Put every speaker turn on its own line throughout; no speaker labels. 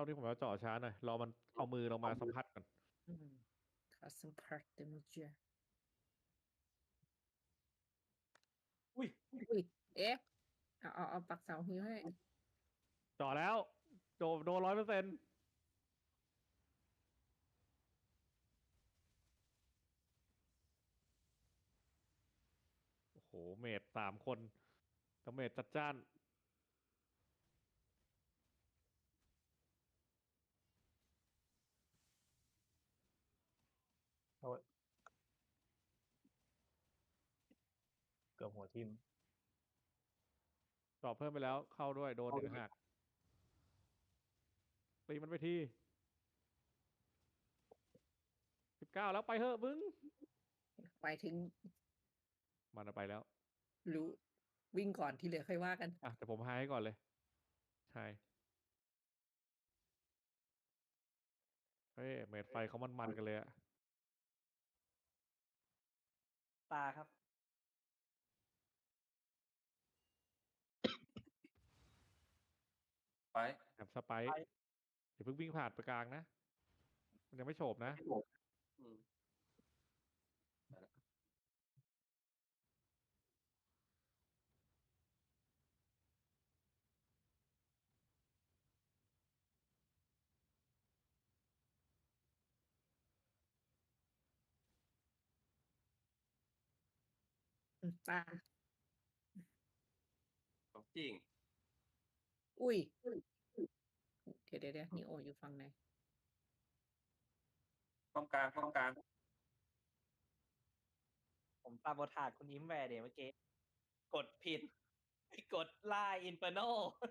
าที่ผมจะเจาะช้าหน่อยรอมันเอามือลงมาสัมผัสก่อน
อืมคัสตอมพาร์ตเดโมเจอร์
อุ้ย
อุ้ยเอ๊ะเอาปักเสาหิวให้
เจาะแล้วโดน100%โอ้โหเมจ3 คนแต่เมจจัดจ้าน
โทษเกือบหัวทิ่ม
เจาะเพิ่มไปแล้วเข้าด้วยโดนถึงหักตีมันไปที19แล้วไปเถอะมึง
ไปถึง
มันเอาไปแล้ว
รู้วิ่งก่อนที่เหลือค่อยว่ากัน
อ่ะแต่ผมหายก่อนเลยใช่เฮ้ยเมจไฟเขามันกันเลยอะ
ตาครับ
ไป
แอบสไปร์อย่าเพิ่งวิ่งผ่านไปกลางนะมันยังไม่โฉบนะ
อืมไปละ
ตา
ของจริง
อุ้ยเดี๋ยวนีโออยู่ฝั่งไหน
ป้อมกลางป้อมกลาง
ผมตาบอทาดคุณยิ้มแวร์เดี๋ยวเมื่อกี้กดผิดกดล่าอินเฟอร์โน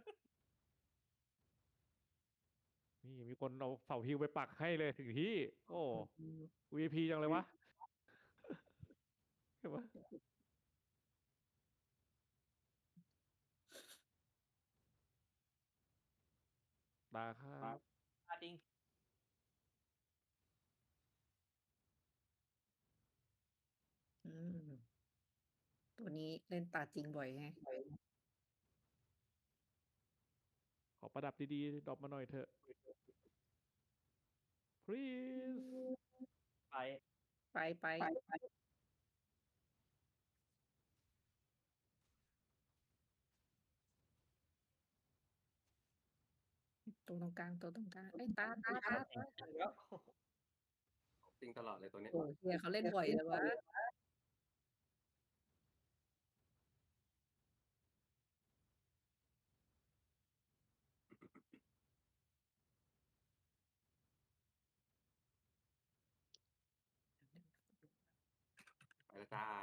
นี่มีคนเอาเสาฮิวไปปักให้เลยถึงที่โอ้ VIP จังเลยวะเห็นปะตาครับ
ตาจริง
อืมตัวนี้เล่นตาจริงบ่อยไง
ขอประดับดีๆดรอปมาหน่อยเถอะ please
ไป
ไปตัวตรงกลางไอ้ยตา
แล้ว
ของจริงตลอดเลยตัวเนี้ย
โอ้เฮียเขาเล่นบ่อยเลยวะ
ไปแล้วจ้า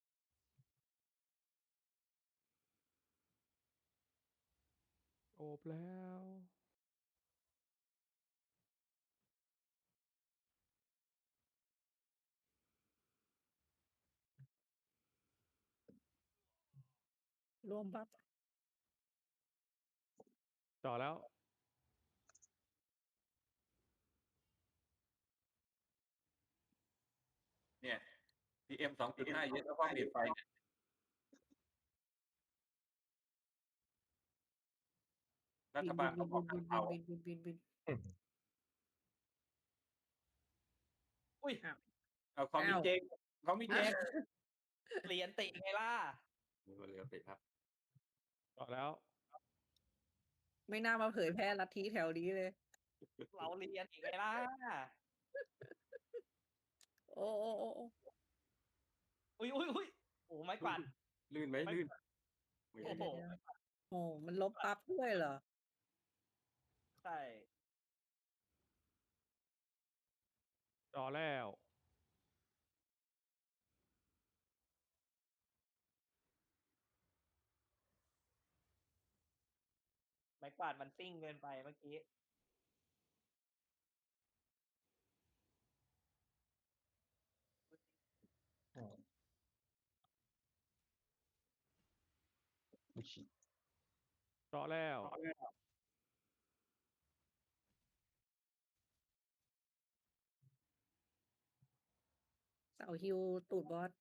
โอบแล้ว
รวมบัฟ
ต่อแล้ว
เนี่ย PM 2.5เยอะแล้วก็เปลี่ยนไฟเนี่ยรัฐบาลเขาบอกกันเอา
บิน
อุ้ย
เอาเขามีเจงเขามีเจง
เหรียญติไงล่ะ
มาเร็วสิครับ
ต่อแล้ว
ไม่น่ามาเผยแพร่ลัทธิแถวนี้เลย
เราเรียนอีกไงล่ะ
โอ้
อุ้ยโอ้ไม้กวาด
ลื่นไหมลื่นไม่
โอ้
ลื่น
โห
โอ้มันลบปั๊บด้วยเหรอ
ใช่
ต่อแล้ว
ไม้กวาดมันซิ่งเกินไปเมื่อกี้
ต่อแล้ว
เสาฮิวตูดบอส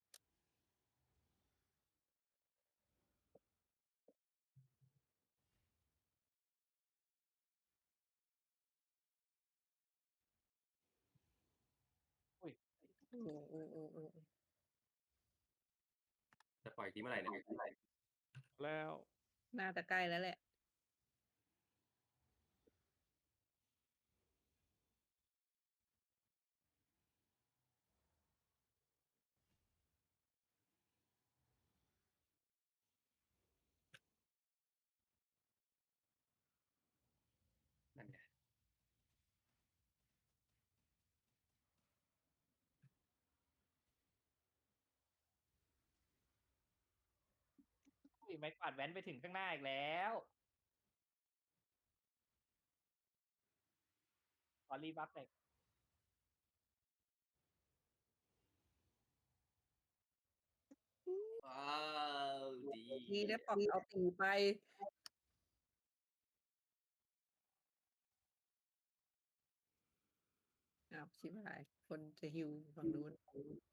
โอ้โอ้โอ้โอ้
จะปล่อยทีเมื่อไหร่เนี่ย
แล้ว
น่าจะใกล้แล้วแหละ
นั่นไง
อุ้ยไม้กวาดแว้นไปถึงข้างหน้าอีกแล้ว ขอรีบัฟหน่อย
ว้าวดี
ดีได้ปอกเอาตีไปอ้าวชิบหาย คนจะหิวฝั่งนู้น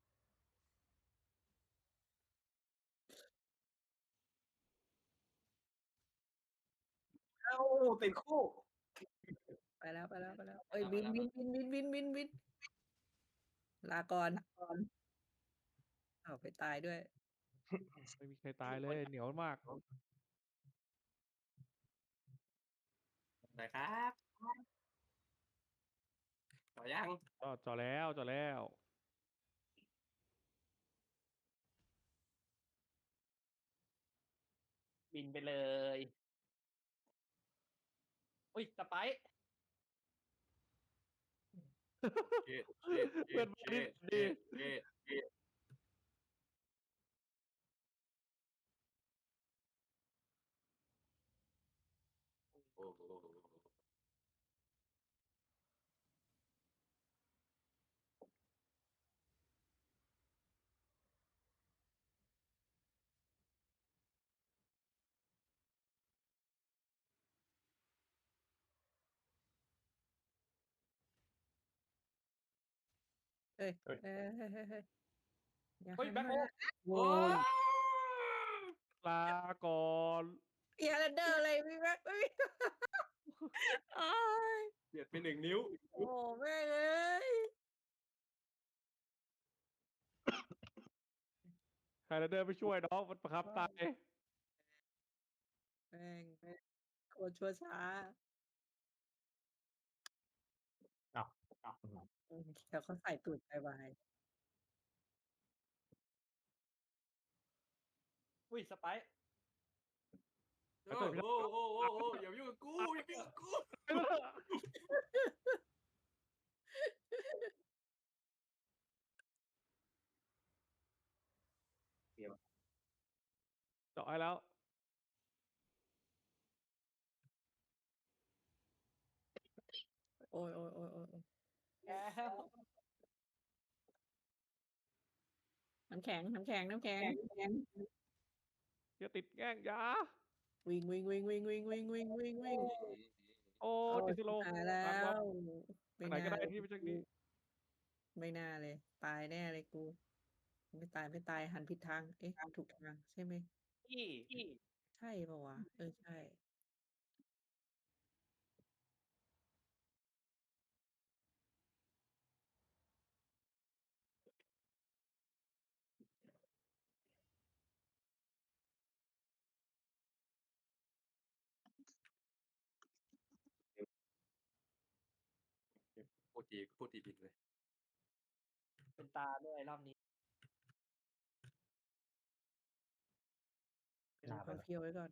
เอ้าติดคู่
ไปแล้วไปแล้วไปแล้ว เอ้ยบินบินบินบินบินบินบินลาก่อนเอาไปตายด้วย
ไม่มีใครตายเลย เหนียวมาก
หน่อยครับต่อยัง
จ่อแล้วจ่อแล้ว
บินไปเลย อุ้ยสไปร์
เช็ดเช็ด
เพื่อนบ้านนี่ดี
เช็ดเช็ดโอ้โห
เอ้ยเอ้ยเฮ้ยเฮ้ยเฮ้ยอย่า
เฮ้ย
หัน
แบ็ค
มา
โฮ
โอ้ย
ลาก่อน
เอียร์เดอร์อะไรพี่แม็กไม่มีโอ้ย
เบียดไป1 นิ้ว
โอ้แม่งเอ้ย
ใครจะเดินไปช่วยน้องมันประคับตาย
แม่งโคตรชั่วช้า
อ้าว
เดี๋ยวเขาใส่ตูดไปไว
อุ้ยสไปร์
โอ้โหโอ้โหโอ้โหอย่ามายุ่งกับกูอย่ามายุ่งกับกู
เจาะให้แล้ว
โอ้ยโอ้ยโอ้ยโอ้ยโอ้ย
แล้ว
น้ำแข็งน้ำแข็งน้ำแข็ง
อย่าติดแง่งอยา
วิ่งวิ่งวิ่งวิ่งวิ่งวิ่งวิ่งวิ่งวิ่ง
โอ้
โอ้
ติดสโลว์
ตายแล้
หลังวับ
ว
ทางไหนก็ได้ที่ไม่ใช่นี้
ไม่น่าเลย ตายแน่เลยกู ไม่ตายไม่ตายหันผิดทาง เอ๊ะถูกทางใช่ไหม
พี่
ใช่ปะวะ เออใช่
พูดทีผิดเลย
เป็นตาด้วยรอบนี้
เดี๋ยวค่อยเพียวไว้ก่อน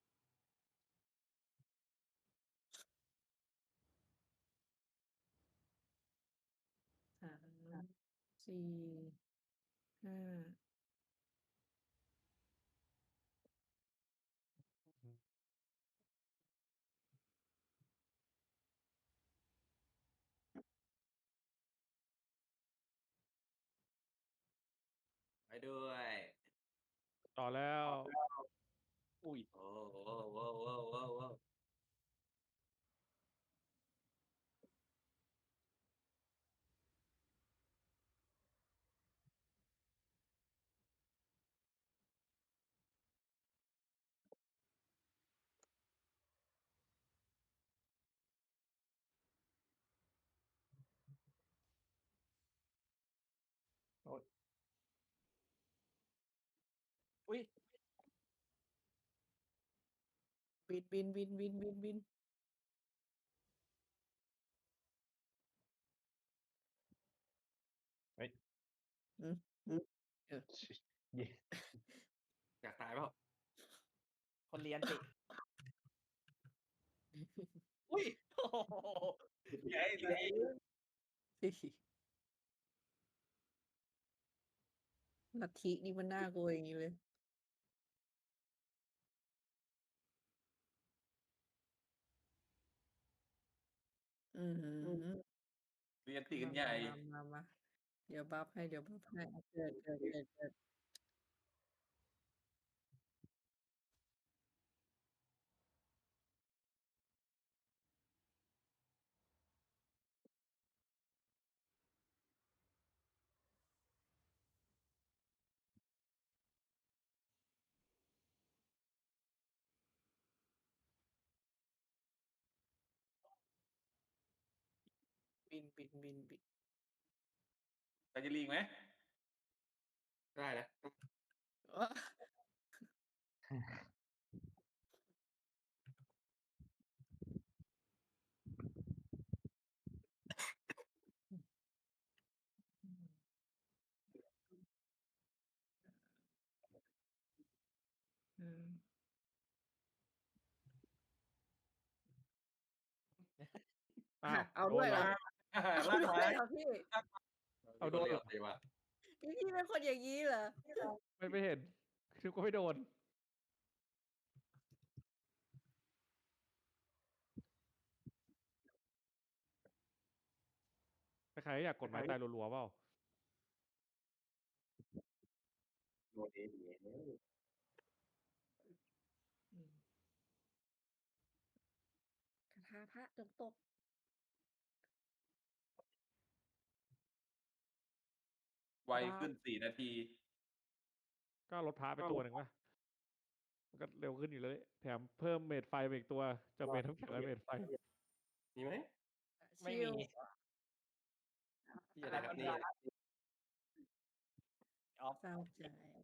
3 4 5
ไปด้วย
ต่อแล้ว
อุ้ย
โอ้โหโอ้โหโอ้โหโอ้โห
บินบินบินบินบินบิน อืม
เย้
อยากตายเปล่า
คนเรียนสิ อุ้ยโอ้โห
ใหญ่เลย
ลัทธินี่มันน่ากลัวอย่างนี้เลย อือหือ
เรียนตีกันใหญ่
มาเดี๋ยวบัฟให้เดี๋ยวบัฟให้เกิด บิน
ไปจะลีกไหม ได้แล้ว
อ๊ะอืม
อ้าว
เอาด้วยเหรอ เอา
ลาก
ด้ว
ไม้
ยเหรอพี่
เอาโดนเหรอ
ดีว่ะ
พี่เป็นคนอย่างนี้เหรอ
ไม่เห็นคือก็ไม่โดนใครๆอยากกดไม้ตายรัวๆเปล่า
โดนเอง
อืมคาถาพระจงตก
ไวขึ้น4 นาที
ก็ลดพาไปตัวหนึ่งวะมันก็เร็วขึ้นอยู่เลย แถมเพิ่มเมดไฟไปอีกตัวจากเมดน้ำแข็งและเมดไฟ
มีไหม
ไม่
ชิ
มี
ล
อยู่ในคนเดียวออฟ
เศร้าใจ